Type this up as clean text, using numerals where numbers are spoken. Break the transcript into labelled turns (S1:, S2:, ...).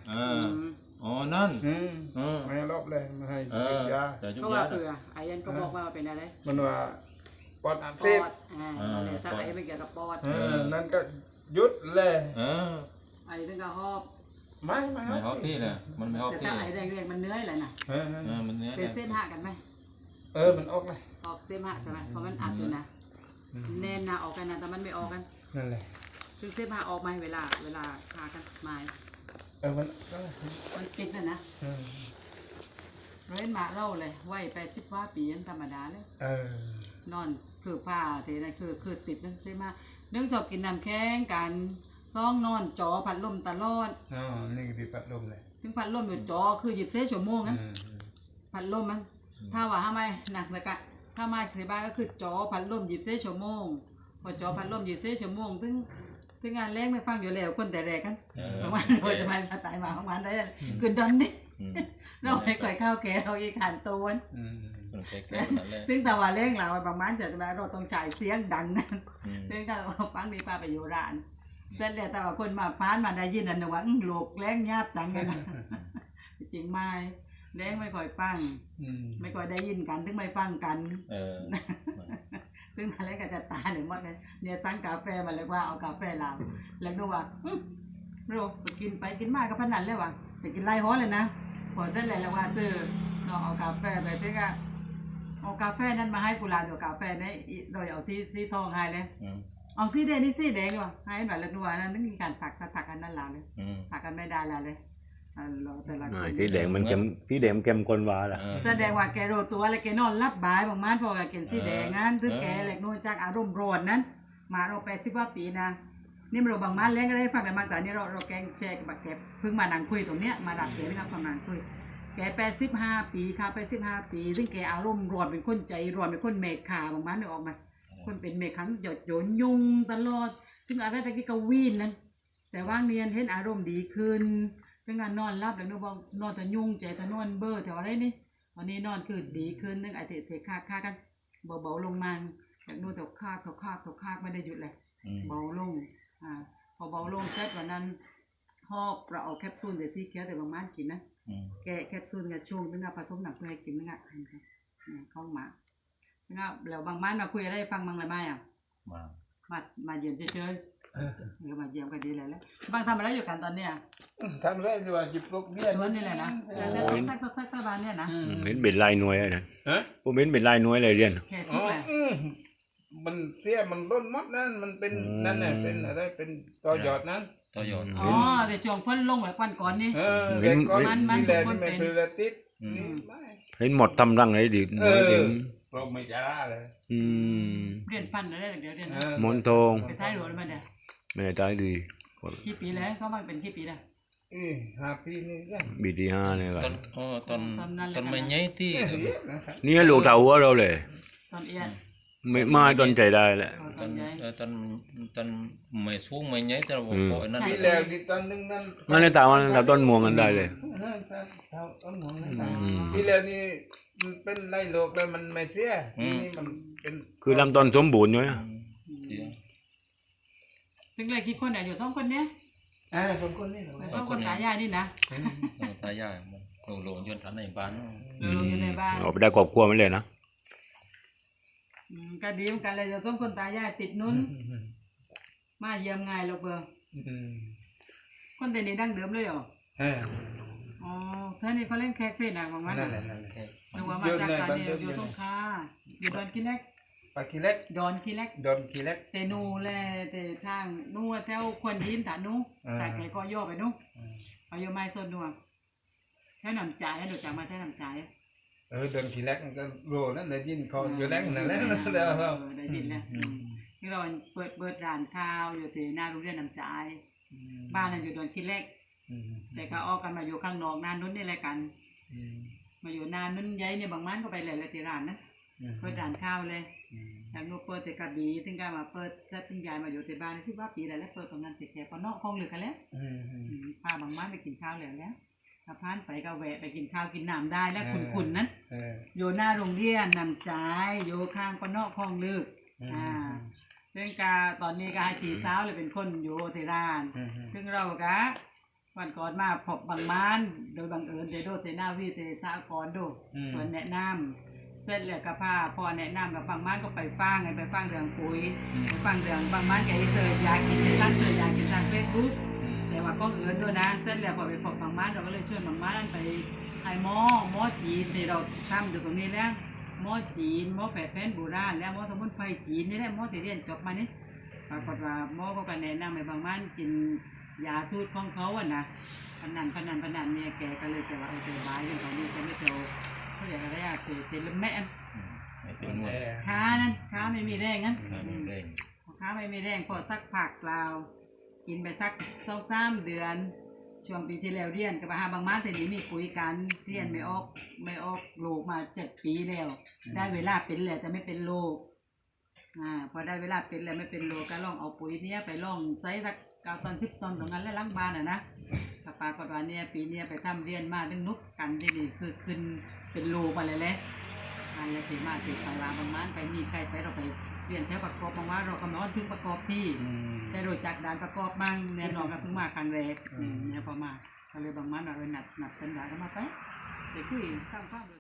S1: อ๋อนั่น
S2: ไม่รอบเลยไม่ให้ยา
S1: เพราะว่าเผื่อไอ้ยันก็บอกว่าเป็นอะไร
S2: มันว่าปอดอักเสบ
S1: ถ้าไอ้ไม่เกี่ยวกับปอด
S2: นั่นก็ยุดเลย
S1: ไอ้ถึงก็หอบ
S2: ไม่
S1: หอบที่เลยมันไม่หอบที่แต่ถ้าไอ้แดงๆมันเนื้ออะไรน่ะมันเนื้อเป็นเส้นหักกันไหม
S2: มันออกเลย
S1: ออกเส้นหักใช่ไหมเพราะมันอัดอยู่นะแน่นนะออกกันนะแต่มันไม่ออกกัน
S2: นั่นแหละ
S1: ซึ่งเส้นหักออกไหมเวลาพากันไม้
S2: มัน
S1: ปิดนะเล่นมาเล่าเลยไหวไป10 ว่าปีธรรมดาเลยนอนคือผ้าเทนั่นคือติดนั่นใช่ไหมเรื่องชอบกินน้ำแข็งกันซ่องนอนจอพัดลมตลอด
S2: นี่คือพัดลมเลย
S1: ถึงพัดลมอยู่จอคือ24 ชั่วโมงนั้นพัดลมมันถ้าว่าทำไมหนักเลยกะถ้ามาที่บ้านก็คือจอพัดลม24 ชั่วโมงพอจอพัดลม24 ชั่วโมงถึงงานแรงไม่ฟังอยู่แล้วคนแต่แรกกันประมาณโดยสบายสไตล์มาประมาณได้คือดันนี่เราไปก่อยข้าวแกเราอีกขันตัวซึ่งแต่ว่าเร่งเราประมาณจะมาเราต้องจ่ายเสียงดังนั่นซึ่งถ้าเราฟังดีป้าไปอยู่ร้านเสร็จแล้วแต่ว่าคนมาพานมาได้ยินอันนึงว่าโลกแรงยาบจังกันนะจริงไหมแรงไม่ค่อยฟังไม่ค่อยได้ยินกันถึงไม่ฟังกันซึ่งอะไรก็จะตาหนึ่งหมดเลยเนี่ยสั่งกาแฟมาเลยว่าเอากาแฟเราแล้วก็ว่าเรากินไปกินมากก็พนันเลยว่ะไปกินไล่ฮ้อเลยนะพอเสร็จแล้วว่าซื้อเราเอากาแฟไปเพื่อเอากาแฟนั้นมาให้กุหลาบตัวกาแฟนี่โดยเอาสีทองให้เลยเอาสีแดงนี่สีแดงว่ะให้แบบละนัวนั่นนึกมีการถักกันนั่นหละเลยถักกันไม่ได้ละเลย
S3: แต่ละสีแดงมันเข้มสีแดงเข้มข้นว่าล่ะ
S1: แสดงว่าแกโดตัวแล้วแกนอนรับบายบางมันพอแกกินสีแดงงั้นถึงแกเล็กน้อยจากอารมณ์ร้อนนั้นมาเราไป10 ว่าปีนะนี่เราบางมันเลี้ยงก็ได้ฟังแต่บางแต่นี่เราแกงแชร์กับแกเพิ่งมานั่งคุยตรงเนี้ยมาดักเกนะครับประมาณคุยแก85 ปีค่ะ85 ปีซึ่งแกอารมณ์ร้อนเป็นคนใจร้อนเป็นคนเมฆขาบางมันนึกออกมาคนเป็นเมฆขังหยดโยนยุงตลอดซึ่งอะไรตะกี้ก็วีนนั้นแต่ว่างเนียนเห็นอารมณ์ดีขึ้นเป็นงานนอนรับแล้วนึกว่านอนแต่ยุงใจแต่นอนเบอร์แถวอะไรนี่ตอนนี้นอนคือดีขึ้นนึกไอเทค่ากันเบาลงมาจากนู่นถกคาไม่ได้หยุดเลยเบาลงพอเบาลงเสร็จวันนั้นหอบเราเอาแคปซูลเดซี่เคียวแต่บางมันกินนะแกแคปซูลกับช่วงนึงผสมหนักเพื่อให้กินนึงเข้ามาแล้วบางมันเราคุยอะไรฟังบ้างเลยไหมมาเยี่ยมเฉยๆมาเยี่ยมกันดีเลยแล้วบางทำอะไรอยู่กันตอนเนี้ย
S2: ทำอะไรอยู่จิบลูกเบี้ย
S1: สวนนี่แหละนะสักตะวันเนี่ยนะ
S3: เห็นเป็นลายหน่วยนะผมเห็นเป็นลายหน่วยเลยเรียน
S2: มันเสียมันล้นมัดนั่นมันเป็นนั่นแหละเป็นอะไรเป็นต่อหยอดนั้น
S1: ต่อหยอดเดี๋ยวช่วงพ้นลงแบบวันก่อนนี่
S2: แต่ก่อนมันไม่เป็นติด
S3: เห็นหมดทำรังเลยดิ
S2: เราไม่จะได้เลย
S1: เรียนฟันอะไรเดี๋ยวเรียน
S3: มนทอง
S1: ไปท้ายหลวงมาเนี่ย
S3: ไม่ได้ดี
S1: กี่ปีแล้วเขามาเป็นกี่ปีแล้ว
S2: 5 ปีนี่
S3: ปีที่5เนี่ยกัน
S1: ตอนไม่ใหญ่ที่
S3: นี่ลูกเต่าหัวเราเลย
S1: ตอนเอียน
S3: ไม่มาตอนใจได้แหละ
S1: ตอน
S4: ไม่สูงไม่ใหญ่แต่ว่าปล่อยนั่น
S2: ปีแล้วดิตอนนึงนั่น
S3: นั่นเลยแต่ว่าต้นม่วงกันได้เลย
S2: ต้นม่วงปีแล้วนี่มันเป็นไรโลกแล้วมันไม่เสียนี่มันเป็น
S3: คือลำต้นสมบูรณ์อยู่
S1: ถึงเลยกี่คนเนี่ยอยู่2 คนเนี้ย
S2: คนนี่
S1: 2 คนตายายนี่นะ
S4: ตายายโหลงจนทันในบ้าน
S1: อยู่ในบ้าน
S3: ออกไปได้ครอบครัวไม่เลยนะ
S1: ก็ดีเหมือนกันเลยจะ2 คนตายายติดนุ้นมาเยี่ยมง่ายเราเบอร์คนแต่นี่ดั้งเดิมเลยเหรออ๋อท่านนี่เขาเล่นแคกเฟ่นะบางวันหรือว่ามาจากการเนี่ยอยู่สงขลาอยู่ดอนขี้เล็กดอนขี้เล็กแต่นูแลแต่ทางนู่แถวควนยินถ่านู่แต่แกก็ย่อไปนู่เอาโยไม้ส้นนู่แค่นำจ่ายดูจากมาแค่นำจ่าย
S2: ดอนขี้เล็กก็โรนั่นได้ยินเขาอยู่แรงนั่นแหละ
S1: ได้ยินแล้วนี่เราเปิดร้านข้าวอยู่ที่หน้าโรงเรียนนำจ่ายบ้านเราอยู่ดอนขี้เล็กแต่ก็ออกกันมาอยู่ข้างนอกนานนู้นนี่แหละกันมาอยู่นานนู้นย้ายเนี่ยบางมันก็ไปเลยละที่ร้านนะเปิดร้านข้าวเลยอย่างนู้นเปิดแต่กระบี่ถึงการมาเปิดถ้าถึงย้ายมาอยู่ที่บ้าน10 ว่าปีแล้วเปิดตรงนั้นติดแค่ปนอกคลองเหลือกันแล้วพาบางมันไปกินข้าวแล้วถ้าพานไปก็แวะไปกินข้าวกินน้ำได้แล้วขุนนั้นอยู่หน้าโรงเรียนนำจ่ายอยู่ข้างปนอกคลองลึกเรื่องการตอนนี้ก็ให้พี่สาวเลยเป็นคนอยู่ที่ร้านซึ่งเราก็วันก่อนมาพบบางม้านโดยบังเอิญเดโดเตนาวีเตสากรดูคนแนะนำเสร็จแล้วก็พาพอแนะนำกับบางม้านก็ไปฟังไงไปฟังเรื่องปุ๋ยไปฟังเรื่องบางม้านแกเสิร์ชยากินท่านเสิร์ชยากินทางเฟซบุ๊กแต่ว่าก็เอิญด้วยนะเสร็จแล้วพอไปพบบางม้านเราก็เลยชวนบางม้านไปไอ้หมอจีนที่เราทำอยู่ตรงนี้แล้วหมอจีนหมอแผนโบราณแล้วหมอสมุนไพรจีนนี่แหละหมอที่เรียนจบมานี่ปรากฏว่าหมอก็แนะนำให้บางม้านกินยาสูตรของเขาอ่ะนะพนันเนี่ยแกก็เลยแต่ว่าเจอบายเรื่องของนี้จะไม่เจอเขาเรียกอะไรอะเตลแม่
S4: ไม่เป็นนวด
S1: ค้าไม่มีแรงงั้น
S4: เร่ง
S1: ค้าไม่มีแรงพอสักผักเรากินไปสัก2-3 เดือนช่วงปีที่แล้วเรียนกับหาบางม้าแต่นี้มีคุยกันเรียนไม่ออกโลกมา7 ปีแล้วได้เวลาเป็นแล้วแต่ไม่เป็นโลกพอได้เวลาเป็นแล้วไม่เป็นโลก็ลองเอาปุ๋ยเนี้ยไปลองใส่สัก9 ตอน 10 ตอนตรงนั้นแล้วล้างบ้านนะถ้าปากฏว่าเนี่ยปีเนี้ยไปทำเรียนมาดึงนุกกันที่นี่คือขึ้นเป็นโลไปเลยแหละอันแล้วถึงมาติดตลาดบางม้านไปมีใครไปเราไปเรียนแถวประกอบบางว่าเรากำลังถึงประกอบที่ได้รู้จักด่านประกอบบ้างแน่นอนก็เพิ่งมาครั้งแรกเนี่ยพอมาก็เลยบางม้านเรานัดกันได้ก็มาไปคุยตั้งความ